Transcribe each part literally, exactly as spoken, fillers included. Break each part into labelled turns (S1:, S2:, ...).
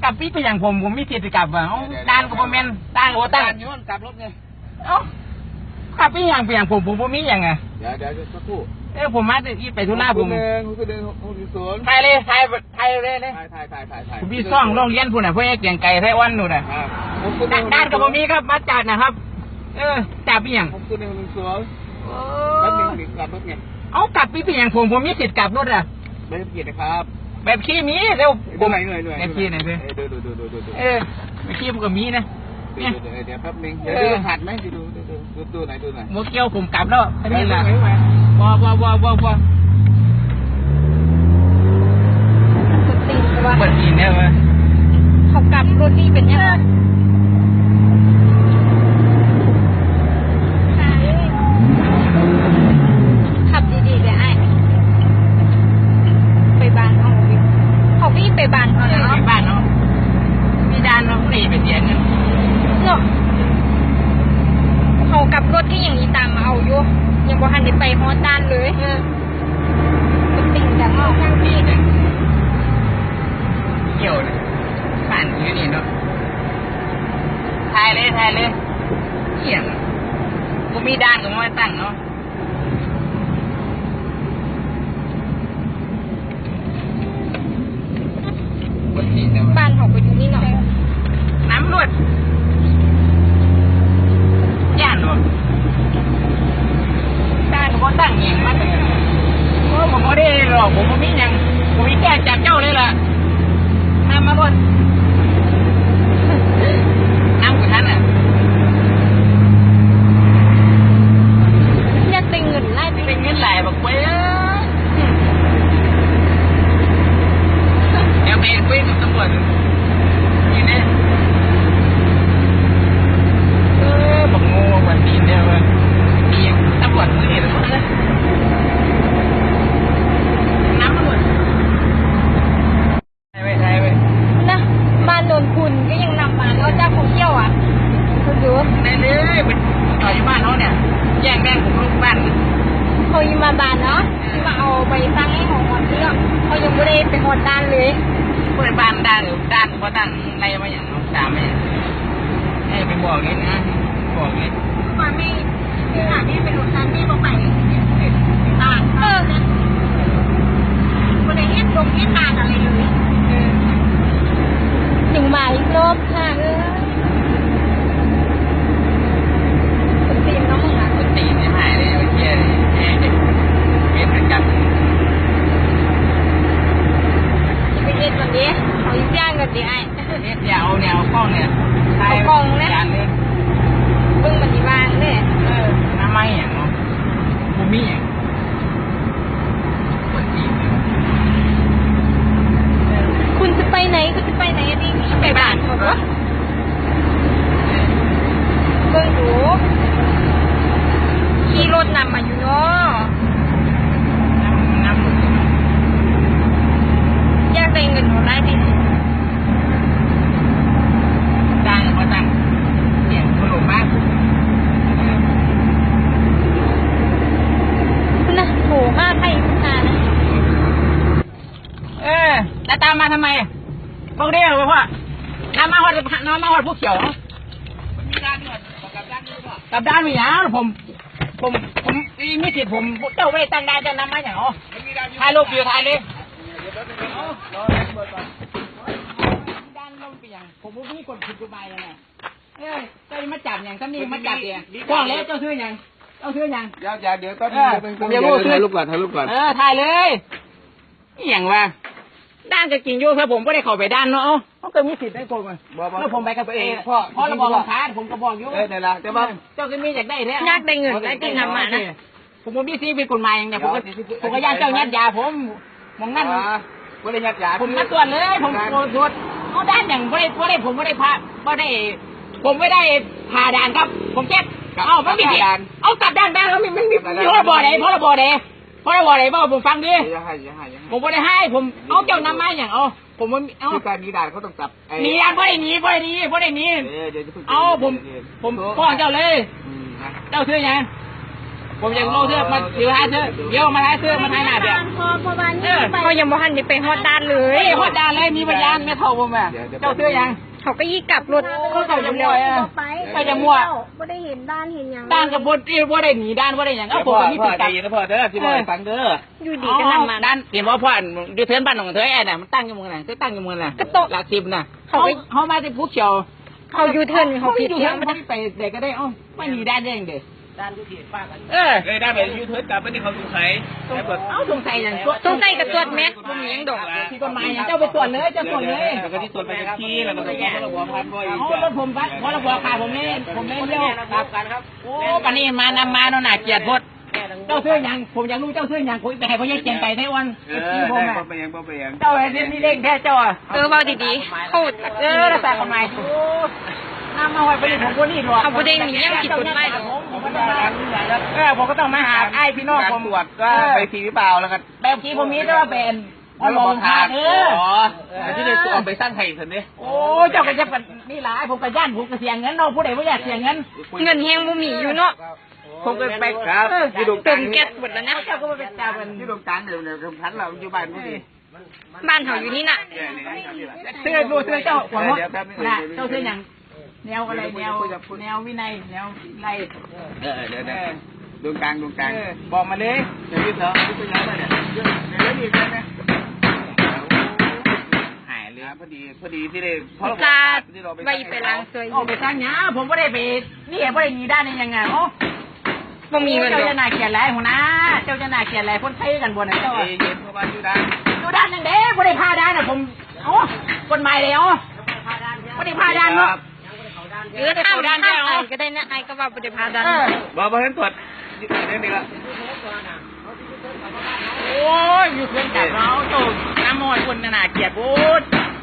S1: ลับปีไปอย่างผมผมมีสิทธิ์กลับอ่ะด้านกับผมเมนด้านกับผมตั้งย้อนกลับรถไงเอ้ากลับปีอย่างไปอย่างผมผมผมมีอย่างไง
S2: เดี๋ยวเดี๋ยวสักครู่
S1: เออผมมาที่ไปทุน่าผม
S2: หนึ่งคุณหนึ่งคุณศูนย์
S1: ไทยเลยไทยไทยเลยเลย
S2: ไทยไทยไทยไทยไทย
S1: ผมพี่ซ่องโรงเรียนพูดน่ะเพื่อเกี่ยงไก่ไทยวันนู่นน่ะด้านกับผมมีครับมาจัดนะครับเออจับปีอย่าง
S2: ผมคุณหนึ่งหนึ่งศูนย์แล้วหนึ่งหนึ่งกลับรถไง
S1: เอากลับปีไปอย่างผมผมมีสิทธิ์กลับรถอ่ะ
S2: ไม่ต้องเกียรตินะครับ
S1: แบบขี้มีเร็ว
S2: ผมไหนหน่วยหน่วย
S1: แบบขี้ไหนเพื่อน
S2: ดูดูดูดูดู
S1: เออแบบขี้มันก็มีนะ
S2: เนี่ยเดี๋ยวแป๊บนึงเดี๋ยวดูหัดไหมดูดูดูดูดูไหนดูไหน
S1: โมเกียวผมกลับแล้วอันนี้แหละว้าวว้าวว้าวว้าวว้าว
S3: ตีนว่า
S1: เปิดตีนเนี่ยวะ
S3: เขากลับรถนี่เป็นยังไงขับดีๆเลยไอ้ไปบ้านเขาเขาพี่ไปบ้านเขาเนาะ
S1: ไปบ้านเนาะมีด้านเราไม่ไปเสียเงิน
S3: เนาะเขากลับรถที่อย่างนี้ตามมาเอาอยู่ยังบ่ทันได้ไปฮอดด้านเลยเออติ่งจากนอกข้างที่เนี่ย
S1: เกี่ยวเลยบ้านอยู่นี่เนาะทายเลยทายเลยเกี่ยงกูมีด้านก็ไม่ตั้งเนาะ
S3: บ้านเขาไปอยู่นี่หน่อย
S1: น้ำรวดย่านรวดด้านก็ตั้งเองมาเลยโอ้ผมไม่ได้หรอกผมไม่มีอย่างผมมีแก้จับเจ้าเลยล่ะน้ำมารวดน้ำกูทันอ่ะ
S3: เนี่ยติงเงินไล่
S1: ติงเงินไหลบอกเว้ยเดี๋ยวไปคุยกับตำรวจนี่เนี่ยเออบอกงูวันตีนเดียวมีตำรวจมือเห็นแล้วนะน้ำตำรวจใช่ไหมใช่ไหม
S3: นะบ้านโนนคุณก็ยังนำมาแล้วเจ้าของเที่ยวอ่ะคุณดู
S1: ได้เลยเป็นต่ออยู่บ้านเขาเนี่ยแย่งแดงผมลูกบ้าน
S3: เขาอยู่มาบ้านเนาะที่มาเอาไปตั้งให้ของหอดเรื่องเขายังไม่ได้ไปหอดด้านเลย
S1: ผู้ใดบ้านด้านหรือด้านเพราะด้านอะไรมาอย่างน้องสามไม่ให้ไปบอกเลยนะบอกเลย
S3: มาไม่ที่หาที่เป็นหอดด้านนี่บอกไปต่างเออคนไหนเฮ็ดลงเฮ็ดตาอะไรเลยถึงมาอีกรอบค่ะเออคุณตีนน้องมึงอ่ะ
S1: คุณตีนไม่หายเลยเที่ยเอ๊ะเอ๊ะเป็นกัน
S3: ไปเฮ็ดวันนี้เขาย่างกันดีไอ้
S1: เนี่ยเดี๋ยวเอาแนวกล้องเนี่ย
S3: เอากล้องเนี่ยเบิ่งมันดีวางเนี่ย
S1: เออน้ำไม้อย่างเนาะบูมี่อย่างคุณตีน
S3: คุณจะไปไหนคุณจะไปไหนนี่ไปบ้านเขาปะเบิ่งดูขี่รถนำมาอยู่เนาะ
S1: น้ำน้ำ
S3: อยากได้เงินหัวได้ดิ
S1: ดังเพราะดังเสียงถล่มมาก
S3: คุณนะโหมากใครคุณนานะ
S1: เออแล้วตามมาทำไมบอกได้เหรอพ่อน้ำมาหอดน้ำมาหอดพวกเขียวมีด้านด้วยกับด้านนี้ป่ะกับด้านมีอย่างผมผมผมมีสิทธิ์ผมเจ้าไม่ตั้งได้จะนำมาอย่างอ๋อถ่ายรูปอยู่ถ่ายเลยด้านลงเปียงผมไม่มีคนผิดกฎหมายยังไงเอ้ยเจ้ามาจับอย่างท่านนี่มาจับเองกว้างแล้วเจ้าซื้ออย่างเจ้าซื้ออย่าง
S2: เดี๋ยวเดี๋ยวก็เดี๋ยวถ่ายรูปก่อนถ่ายรูปก่อน
S1: เออถ่ายเลยอย่างว่าด้านจะกินอยู่ครับผมไม่ได้เข้าไปด้านเนาะเขาก็มีสิทธิ์ได้ผมแล้วผมไปกับตัวเองพ่อพ่อเราบอกค้าผมก็บอกอยู่
S2: เออเดี๋ยวละแต่ว่า
S1: เจ้าก็มีอยากได้แล้ว
S3: อยากได้เงินได้กินทำมานะ
S1: ผมมีซีเป็นกฎหมายอย่างเนี้ยผมก็ผมก็ย่านเจ้ายัดยาผมมองนั่น
S2: ไม่ได้ยัดยา
S1: ผมมาตรวจเลยผมตรวจเขาด้านอย่างไม่ได้ไม่ได้ผมไม่ได้พาไม่ได้ผมไม่ได้ผ่าด่านครับผมเช็คเอาไม่มีเอากลับด้านด้านแล้วมันมันมีเพราะระบอไหนเพราะระบอไหนเพราะระบอไหนบ้างผมฟังดิผมไม่ได้ให้ผมเอาเจ้านำมาอย่างเอาผมมันเอา
S2: การหนีด่านเขาต้องจับ
S1: หนีด่านเพราะได้หนีเพราะได้หนีเพราะได้หนีเอาผมผมฟ้องเจ้าเลยเจ้าซื้อยังผมยังโลเสื้อมาเดี๋ยวหาเสื้อเดี๋ยวมาหาเสื้อมาถ่ายหน้าเดี๋ยว
S3: พอพอวัน
S1: เออ
S4: เขายังบ่ทันได้ไปฮอดด้านเล
S1: เฮ้
S4: ย
S1: ยฮอดดานเลยมีพยานแม่เท่าผมอ่ะเจ้าเสื้อยัง
S4: เขาก็ยี่กลับรถ
S1: ก็เขาจะมั่วอ่ะ
S3: ไป
S1: ก็จะมั่ว
S3: ไม่ได้เห็นด้านเห็นอย่าง
S1: ด้านกับบดที่บ่ได้หนีด้านบ่ได้หยังเอ้าผม
S2: พ่อ
S1: ก็มี
S2: พ่อ
S1: ติด
S2: ใจ
S1: กับ
S2: เย็นนะพ่อเด้อที่บอกให้ฟังเด้อ
S4: อยู่ดีก็นำมา
S1: ด้านเห็นว่าพ่ออยู่เทินบ้านของเธอแอนน่ะมันตั้งอยู่เมืองไหนเธอตั้งอยู่เมืองน่ะ
S4: ก็โต๊ะ
S1: หลักสิบน่ะ
S4: เขา
S1: เขา
S4: ไป
S1: เขามาที่ภูเขียว
S4: เขายูเทิร์นเขาผิด
S1: อยู่
S4: เที่
S1: เทิ
S4: ย
S1: น
S4: ง
S1: เขาไม่ไปเด็กก็ได้เอ้าไม่หนีด้านได้ยังเด็ก
S2: ด้านทุกทีป้ากัน
S1: เออ
S2: เลยได้ไปยูทูบกลับไปที่เขาสงสัยแต่แบบ
S1: เอ้าสงสัยอย่าง
S4: สงสัยกับตรวจแม็กบ่มีหยังดอก
S1: ที่กฎหมายอย่างเจ้าไปตรวจเลยเจ้าตรวจเลย
S2: แล้วก็ที่ตรวจไปที่แล้วก็ไปแก้ระบบพันบ่อย
S1: เอารถผมพัดเพราะระบบขาดผมนี่ผมไม่เลี้ยว
S2: ครับกันครับ
S1: โอ้ปานนี้มานำมาโน่นน่ะเกียรติพดเจ้าเสื้อยังผมอยากรู้เจ้าเสื้อยังคุยไปให้พ่อแยกเกียงไปไต้หวัน
S2: เอ
S1: ที่
S2: อ
S1: ผม
S2: ได้
S1: อ่ะ
S2: บ่ไปยังบ่ไปยัง
S1: เจ้าเรียนนี่เล่งแค่เจ้าอ่ะ
S4: เออเว้าดีๆเขา
S1: เออรักษากฎหมายโอ้น้ำมาไว้ประเด็นผมคนนี้หรอ
S4: เขาบ่ได้มีหยังผิดกฎหมายหรอก
S1: ผมก็ต้องมาเออผมก็ต้องมาหาไอ้พี่น้องผม
S2: ตรวจก็ไปทีหรือเปล่าแล้วก็
S1: แบบที่ผมมีแต่ว่าเป็นพอลงทานเออ
S2: อ๋อที่ได้ตัวไปสร้างไข่เถอะเนี่ย
S1: โอ้เจ้าก็จะเป็นนี่หลายผมก็ย่านผมก็เสียเงินเนาะผู้ใดบ่อยากเสียเงิน
S4: เงินแฮงบ่มีอยู่เนาะ
S1: ผมก็ไป
S2: ครับที่ดง
S4: เติมแก๊สหมดแล้วนะ
S1: เจ้าก็มาเป็นเจ้าเป็น
S2: ที่ดงกลางเดี๋ยวเดี๋ยวพันเราอยู่บ้านผู้ดี
S4: บ้านเขาอยู่นี่น่ะ
S1: เสื้อดูเสื้อเจ้าของมดน่ะเจ้าเสื้ออย่างแนวอะไรแนวแนววินัยแนวไร
S2: เออเดี๋ยวเดี๋ยวดวงกลางดวงกลาง
S1: บอกมาเลย
S2: เดี๋ยวพี่เถอะพี่ไปย้ายไปเนี่ยเดี๋ยวเดี๋ยวนี่กันนะหายเลยพอดีพอดีที่ได้
S4: ตาไปไปล้างซวย
S1: ออกไปสร้างหยาผมไม่ได้ไปนี่ไม่ได้มีด้านนี้ยังไงโอ้
S4: บ่มีเงินด
S1: เจ้า
S4: อก
S1: จะน่าเกลียดไรหัวหน้าเจ้าจะน่าเกลียดไรคนไทยกันบนไหนเจ้า
S2: เย็นเข้ามาอยู่ด้าน
S1: ดูด้านนั่นเด้ไม่ได้พาด้านนะผมโอ้กฎหมายเลยอ๋อไม่ได้พาด้านเนาะ
S4: เออข้ามด้านได้ไอ้ก็ได้นะไอ้ก็ว่าบ่ได้พาดัน
S2: บอกบอกให้ตรวจเรื่องนี้ละ
S1: โอ้ยอยู่เพื่อนจับเราโตน้ำมอยคนน่าเกลียดพูด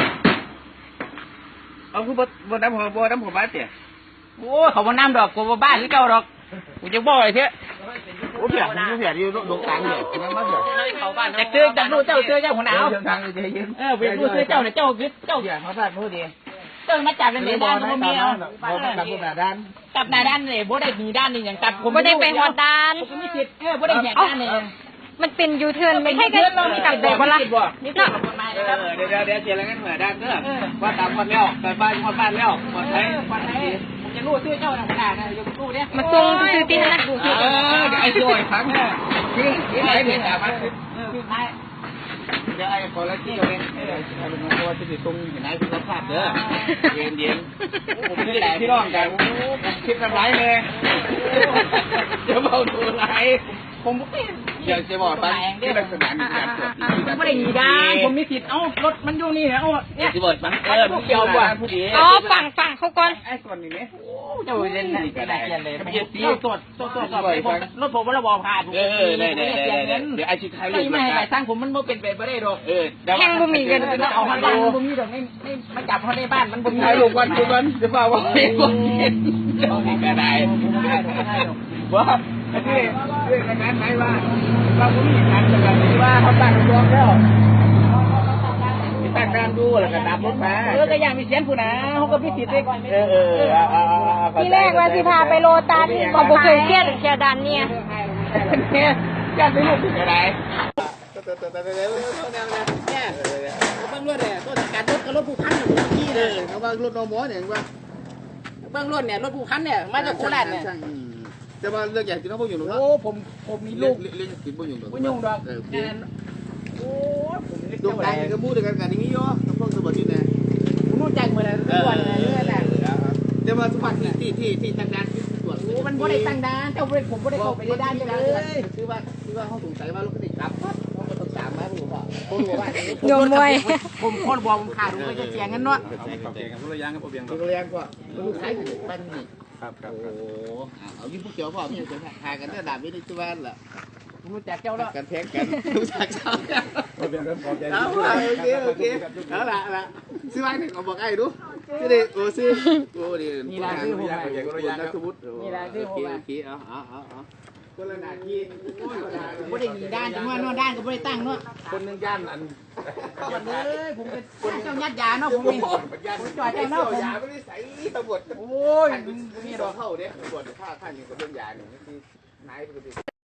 S2: เอาคือบนน้ำหัวบนน้ำหัวบ้านเตี๋ย
S1: โอ้เขาบ่น้ำดอกกูบ่บ้านหรือเจ้าดอกกูจะบ่อยเถอะ
S2: โอ้เผียผมเผียอยู่ดวงกลางเดี๋ยวนั่นมาเผีย
S1: แต่ซื้อจากรู้เจ้าซื้อเจ้าหัวหนาว
S2: เดินทางใจเย็น
S1: เออไปรู้ซื้อเจ้าเนี่ยเจ้าคือเจ้า
S2: เผียเขาพลาดพูดดี
S1: เจ้ามาจับเป็นเดือนด้านบ่มีเอา
S2: บอกกับผู้แบบด้าน
S1: จับหน้าด้านเลยบ่ได้มีด้านนี่อย่างจับผม
S4: บ่ได้ไปฮอดด้าน
S1: ผมมีสิทธิ์เออบ่ได้แหกด้านนี่
S4: มันเป็นยูเทิร์นไม่ใช่
S1: เพื่อน
S4: กั
S1: เรา
S4: น
S1: มี
S4: มี
S1: ตั
S4: ตั
S1: ด
S4: ด
S1: บบ อ
S4: อก ก
S1: ว่า
S4: ว่า
S1: ละ
S4: ละ
S1: นี่ก็กฎหมายนะครับ
S2: เดี๋ยวเดี๋ยวเดี๋ยวเจรกันเหมือนด้านเด้อว่าตามคนแล้วแต่บ้านคนบ้านแล้วหมด
S1: เอ
S2: เลย
S1: อวันไหนผมจะรู้ซื้อเจ้าหัวหน้านะอยู่ตู้เนี่ย
S4: มาส่งซื้อที่นั่น
S1: ดู
S2: เอ
S1: ซื้อ
S2: อไอ้ตัวอีกครั้งเนี่ยคือคือไอ้เนี่ยแต่ว่า
S1: เออคือท้าย
S2: เดี๋ยวไอ้คอลลาเจนเนี่ยเออไอ้เป็นตัวที่ติดตรงไหนที่เราพลาดเด้อเย็นเย็นผมไม่ได้พี่น้องกันคิดทำร้ายเลยเดี๋ยวเบาตัวร้าย
S1: ผมไม่
S2: เดี๋ยวจะบอกตั้งที่ลักษณะมีการตรวจ
S1: ผมไม่ได้หนีด้านผมมีสิทธิ์เอ้ารถมันอยู่นี่นะโอ้เนี่ย
S2: ที่บอกมันเออผู้เกี่ยวกว่าผู้ดี
S4: อ๋อฟังฟังเขาก่อน
S2: ไอ้ส่วนนี้เนี่ย
S1: เจ้าเล่นน่ะก็ได้เเลยเจ้าตรวจตรวจตรวจสอบรถผมว่าระบอผ่าน
S2: เออได้ได้ได้เดี๋ยวไอ้ชิดไทย
S1: ไม่ไม่ให้ไปสร้างผมมันไม่เป็นไปไม่ได้หรอก
S2: เออ
S4: แห้งบ่มีเงิน
S1: มันเอามาบ้านมันบ่มีดอกไม่ไม่มาจับเขาในบ้านมันบ่มี
S2: ไทยลูกวันทุกวันเดี๋ยวเปล่าว่าเห็นว่าเห็นเดี๋ยวมีกระไดว่าที่เรื่องนั้นไหมว่าว่าผมมีการจัดการว่าเขาตั้งรวมแล้วตั้งการดูแล้วก็ดับรถมา
S1: เออก็ยังมีเสียงผู้นะเขาก็พิสิทธิ์
S2: เออเออเออ
S4: ทีแรกว่าสิพาไปโลตัสก็บ่เคยเครียดแค่ดันเนี่ย
S1: เนี่ยการไปลูก
S2: กระได
S1: เนี่ยเบื้องรถเนี่ยต้นการรถกับรถผู้พันเนี่ยที่
S2: เอ
S1: เลย
S2: อเขาว่ารถนอมอเนี่ยว่า
S1: เบื้องรถเนี่ยรถผู้พันเนี่ยมาจากโคราชเนี่ย
S2: แต่ว่าเรื่องใหญ่ที่น้องพวกอยู่หรอก
S1: โอ้ผมผมมีลูก
S2: เรื่องกินพวกอยู่หรอก
S1: ไม่ยุ่งดอก
S2: เออ
S1: โอ้ผมเล็ก
S2: ดวงตาก็พูดกันกันอย่างนี้ย่อน้ำพวกสมบัตินี่นะ
S1: ผมรู้จักมาแล้วทุกวันเลยเรื่อยแหละ
S2: แต่ว่าสมบัติที่ที่ที่ทางด้านที่ตรวจ
S1: โอ้มันบ่ได้ตั้งด้านเจ้าเวรผมบ่ได้เข้าไปในด้านเลย
S2: คือว่าคือว่าเขาสงสัยว่ารถคันนี้กลับปั๊บเขาก็ต้องตามมาผมบอกผมบอกว่า
S4: โยมมวย
S1: ผมคนบอกผมขาดผมก็จะเสียเงินเนาะ
S2: รถยางครับผมเบียงรถยางก็ลูกค้าอยู่บ้านนี่ครับครับโอ้เอายิ้มผู้เขียวพ่อพี่จะหากันได้ดาบไม่ได้ที่บ้านล่ะ
S1: ผมรู้จักเจ้าแล้ว
S2: กันแทงกันรู้จักเจ้าเอาโอเคโอเคเอาละละซื้อบ้านหนึ่งเอาบอกไอ้ดูซื้อดิโอ้ซื้อโอ้ดินี่ละซื้อผมนักสมุดนี่ละซื้อผมโอเคเอาเอาเอาเอาคนละนาที
S1: บ่ได้มีด้านจังว่าเนาะด้านก็บ่ได้ตั้งเนาะ
S2: คนหนึ่งย่านอัน
S1: วันเลยผมเป็นเจ้ายัดยาเนาะผมนี่ผมจ่อยเจ้าเนาะผม
S2: ยาไม่ได้ใส่ตำรวจ
S1: โอ้ย
S2: มีรอเข้าเนี่ยตำรวจฆ่าท่านอยู่กับเรื่องยาหนึ่งที่นายปกติ